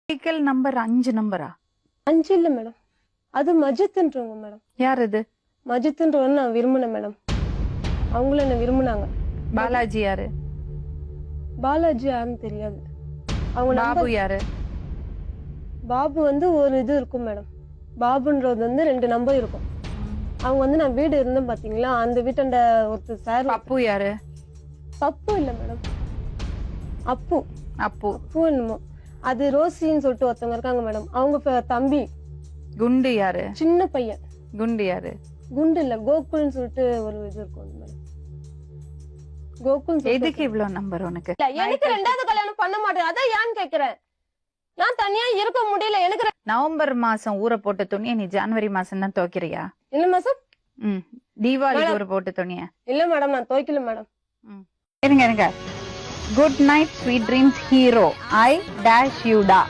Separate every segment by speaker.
Speaker 1: Vehicle number 5 நம்பரா?
Speaker 2: 5 இல்ல madam, அது மஜித்ன்றவங்க மேடம்.
Speaker 1: யார் அது?
Speaker 2: மஜித்ன்றவங்க நான் விரும்பினேன் மேடம், அவங்களும் என்ன விரும்பினாங்க.
Speaker 1: பாலாஜி யாரு?
Speaker 2: பாலாஜி யாருன்னு தெரியாது. அவங்க
Speaker 1: பாபு யாரு?
Speaker 2: பாபு வந்து ஒரு இது இருக்கும் மேடம், பாபுன்றது வந்து 2 நம்பர் இருக்கும். அவங்க வந்து நான் வீடு இருந்தேன் பாத்தீங்களா, அந்த வீட்டாண்ட ஒருத்தர் சார்.
Speaker 1: பப்பு யாரு?
Speaker 2: பப்பு இல்ல மேடம், அப்பு.
Speaker 1: அப்பு.
Speaker 2: அப்பு என்னமோ, அது ரோசின்னு சொல்லிட்டு ஒருத்தவங்க இருக்காங்க மேடம், அவங்க தம்பி.
Speaker 1: குண்டு யாரு?
Speaker 2: சின்ன பையன்.
Speaker 1: குண்டு யாரு?
Speaker 2: குண்டு இல்ல, கோகுல்னு சொல்லிட்டு ஒரு இது இருக்கும் மேடம். கோகுல்.
Speaker 1: எதுக்கு இவ்வளவு நம்பர் உனக்கு?
Speaker 2: எனக்கு 2வது கல்யாணம் பண்ண மாட்டேன், அதான் ஏன்னு கேக்குறேன். நான் தனியா இருக்க முடியல எனக்கு.
Speaker 1: நவம்பர் மாசம் ஊற போட்ட துணியை நீ ஜனவரி மாசம் தான் துவைக்கிறியா?
Speaker 2: இல்ல மாசம்.
Speaker 1: தீபாவளிக்கு ஊற போட்ட துணிய?
Speaker 2: இல்ல மேடம், நான் துவைக்கல மேடம்.
Speaker 1: இருங்க இருங்க. Good night sweet dreams hero, I dash you டா.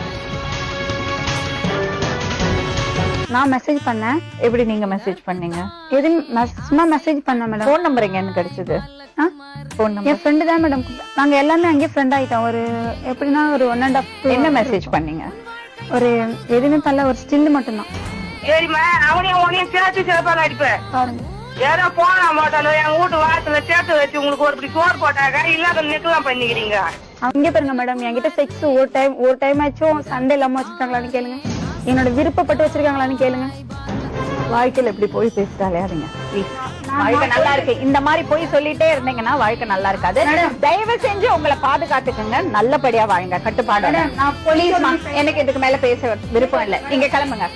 Speaker 1: நான் மெசேஜ் பண்ணேன். எப்படி நீங்க மெசேஜ் பண்ணீங்க?
Speaker 3: எது சும்மா மெசேஜ் பண்ண மேடம்.
Speaker 1: போன் நம்பர் எங்க இருந்து கிடைச்சது? போன்
Speaker 3: என்
Speaker 1: நம்பர்
Speaker 3: ஃப்ரெண்டு தான் மேடம். நாங்க எல்லாமே அங்கேயே ஃப்ரெண்ட் ஆயிட்டோம். ஒரு எப்படின்னா ஒரு 1.5
Speaker 1: என்ன மெசேஜ் பண்ணீங்க?
Speaker 3: ஒரு எதுவுமே பண்ணல, ஒரு ஸ்டில் மட்டும்தான்.
Speaker 4: சரிம்மா, அவனையும் உனையும் சேர்த்து சிறப்பாக அடிப்பேன்.
Speaker 3: பாருங்க,
Speaker 4: ஏதோ போனா மாட்டாலும் எங்க வீட்டு வாசல சேர்த்து வச்சு உங்களுக்கு ஒரு இப்படி சோறு போட்டாக்க இல்லாத நெக்கலாம் பண்ணிக்கிறீங்க.
Speaker 3: அங்கே பாருங்க மேடம், என்கிட்ட செக்ஸ் ஒரு டைம் ஆச்சும் சண்டே இல்லாம வச்சிருக்காங்களான்னு கேளுங்க, என்னோட விருப்பப்பட்டு வச்சிருக்காங்களான்னு கேளுங்க.
Speaker 1: வாழ்க்கையில இப்படி போய் பேசிட்டாலே அதுங்க வாழ்க்கை நல்லா இருக்கு. இந்த மாதிரி போய் சொல்லிட்டே இருந்தீங்கன்னா வாழ்க்கை நல்லா இருக்காது. தயவு செஞ்சு உங்களை பாதுகாத்துக்கங்க, நல்லபடியா வாழுங்க, கட்டுப்பாடு. எனக்கு இதுக்கு மேல பேச விருப்பம் இல்ல, நீங்க கிளம்புங்க.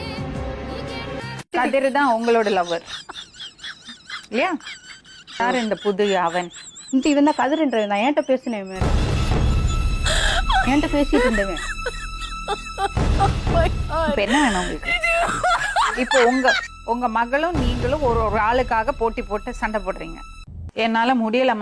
Speaker 1: கதிர் தான் உங்களோட லவ்வர் இல்லையா? யாரு இந்த புது அவன்?
Speaker 3: இவன் தான் கதிர்ன்ற. நான் என்கிட்ட பேசினேன் மேடம், என்கிட்ட பேசிட்டு இருந்தேன்.
Speaker 1: இப்ப என்ன வேணும் உங்களுக்கு? இப்போ உங்க மகளும் நீங்களும் ஒரு ஆளுக்காக போட்டி போட்டு சண்டை போடுறீங்க. என்னால முடியலமா.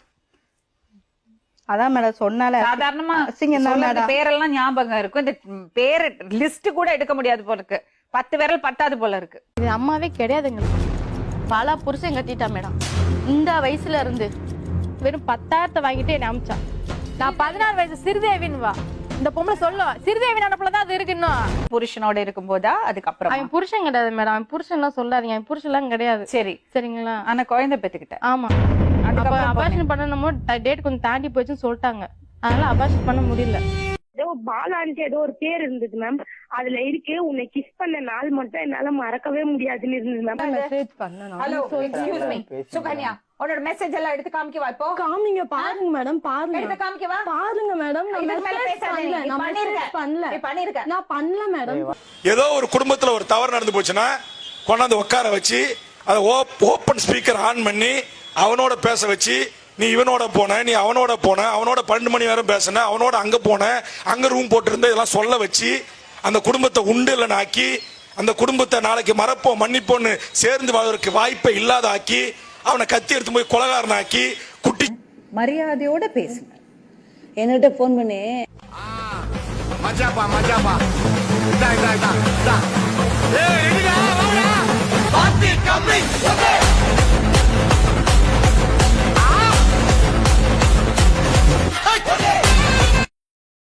Speaker 3: அதான் மேடம் சொன்னால
Speaker 1: சாதாரணமா பேரெல்லாம் ஞாபகம் இருக்கும், இந்த பேரு லிஸ்ட் கூட எடுக்க முடியாது போல இருக்கு. 10 விரல் பத்தாது போல இருக்கு.
Speaker 5: இது அம்மாவே கிடையாதுங்க. பல புருஷன் கட்டிட்டா மேடம். இந்த வயசுல இருந்து வெறும் 10,000 வாங்கிட்டு என்ன அமிச்சா. நான் 16 வயசு சிறுதேவின்னு வா. இந்த பொம்பளை சொல்லும் சிறுதேவி நடப்புலதான் அது இருக்கு. இன்னும்
Speaker 1: புருஷனோட இருக்கும் போதா? அதுக்கப்புறம்
Speaker 5: அவன் புருஷன் கிடையாது மேடம், அவன் புருஷன் எல்லாம் சொல்லாதீங்க, அவன் புருஷன் எல்லாம் கிடையாது.
Speaker 1: சரி
Speaker 5: சரிங்களா?
Speaker 1: ஆனா குழந்தை பெத்துக்கிட்ட.
Speaker 5: ஆமா, அபார்ஷன் பண்ணணுமோ டேட் கொஞ்சம் தாண்டி போச்சுன்னு சொல்லிட்டாங்க, அதனால அபார்ஷன் பண்ண முடியல.
Speaker 4: ஏதோ பாலான்ட்டு ஏதோ ஒரு பேர் இருந்தது மேம், அதுல இருக்கு உன்னை கிஸ் பண்ண நாள் மட்டும் என்னால மறக்கவே முடியாதுன்னு இருந்தது மேம்.
Speaker 2: மெசேஜ் பண்ணனும்.
Speaker 1: ஹலோ எக்ஸ்கியூஸ் மீ சுகன்யா, உன்னோட மெசேஜ் எல்லாம் எடுத்து காமிக்கவா? இப்போ
Speaker 2: காமிங்க, பாருங்க மேடம், பாருங்க.
Speaker 1: எடுத்து காமிக்கவா?
Speaker 2: பாருங்க மேடம், நான் மெசேஜ் பண்ணல. நான் மெசேஜ் பண்ணல.
Speaker 1: நீ பண்ணிருக்க.
Speaker 2: நான் பண்ணல மேடம்.
Speaker 6: ஏதோ ஒரு குடும்பத்துல ஒரு தவறு நடந்து போச்சுன்னா கொண்டாந்து உட்கார வச்சு அதை ஓப்பன் ஸ்பீக்கர் ஆன் பண்ணி அவனோட பேச வச்சு, நீ இவனோட போன, நீ அவனோட போன, அவனோட 12 மணி நேரம் பேசின, அவனோட அங்க போன, அங்க ரூம் போட்டிருந்த, இதெல்லாம் சொல்ல வச்சு அந்த குடும்பத்தை உண்டு இல்லைன்னு ஆக்கி, அந்த குடும்பத்தை நாளைக்கு மறப்போம் மன்னிப்போன்னு சேர்ந்து வாழ்வதற்கு வாய்ப்பை இல்லாத ஆக்கி, அவனை கத்தி எடுத்து போய் கொலகாரன் ஆக்கி குட்டி.
Speaker 7: மரியாதையோட பேசுங்க. என்கிட்ட போன் பண்ணி
Speaker 8: மச்சாப்பா மச்சாப்பா